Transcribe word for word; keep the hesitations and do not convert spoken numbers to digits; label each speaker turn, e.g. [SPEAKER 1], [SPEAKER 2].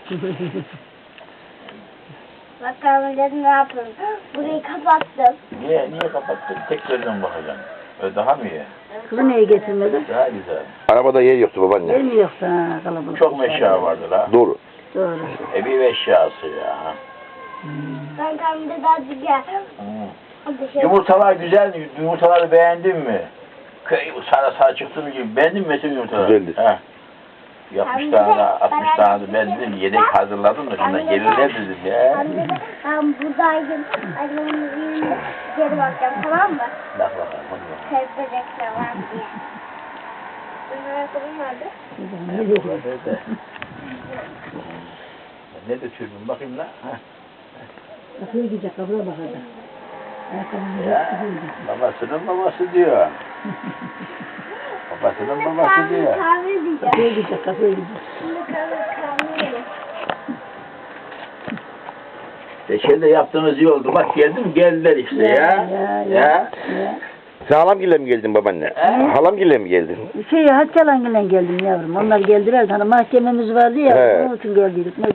[SPEAKER 1] Bakalım dedim ne yapayım. Burayı kapattım.
[SPEAKER 2] Niye, niye kapattın? Tek gözden bakacaksın. Öyle daha mı iyi?
[SPEAKER 3] Kızı niye getirmedin?
[SPEAKER 2] Daha güzel.
[SPEAKER 4] Arabada yer yoktu babaanne.
[SPEAKER 3] Yer mi yoksa ha, kalabalık?
[SPEAKER 2] Çok eşya vardır ha.
[SPEAKER 4] Doğru.
[SPEAKER 3] Doğru.
[SPEAKER 2] Evi eşyası ya.
[SPEAKER 1] Ben kamide daha gel.
[SPEAKER 2] Hmm. Yumurtalar güzel mi? Yumurtaları beğendin mi? Köy sarı sarı çıktığım gibi beğendin mi mesela yumurtaları?
[SPEAKER 4] Güzeldi.
[SPEAKER 2] He. Yapmış tane, altmış tane de ben dedim yedek hazırladım da şundan gelirler dedim ya.
[SPEAKER 1] Anne ben buradaydım. Annemin yerine geri bakacağım, tamam mı?
[SPEAKER 2] Bak bakalım hadi bakalım.
[SPEAKER 1] Sevdecekler var diye. Benim ayakkabım nerede?
[SPEAKER 3] Ne diyeceğim?
[SPEAKER 2] Nerede? Ne de türbün bakayım lan. Ha.
[SPEAKER 3] Nasıl gidecek? Kabura bakacak. Ayakkabını
[SPEAKER 2] Ya babasının babası diyor. Babasının babası diyor.
[SPEAKER 1] Kahve diyeceğim.
[SPEAKER 3] Kapıya gidecek, kapıya gidecek.
[SPEAKER 1] Şimdi kahve kahve yiyelim.
[SPEAKER 2] Reçel yaptığınız iyi oldu. Bak geldim geldiler işte ya.
[SPEAKER 3] Ya,
[SPEAKER 2] Ya.
[SPEAKER 3] ya,
[SPEAKER 2] ya.
[SPEAKER 3] Ya.
[SPEAKER 4] Sen halamgille mi geldin babaanne?
[SPEAKER 2] He?
[SPEAKER 4] Halamgille mi geldin?
[SPEAKER 3] Şey, Haccalan'la geldim yavrum. Onlar geldiler. Hani mahkememiz vardı ya,
[SPEAKER 4] He.
[SPEAKER 3] onun için geldik.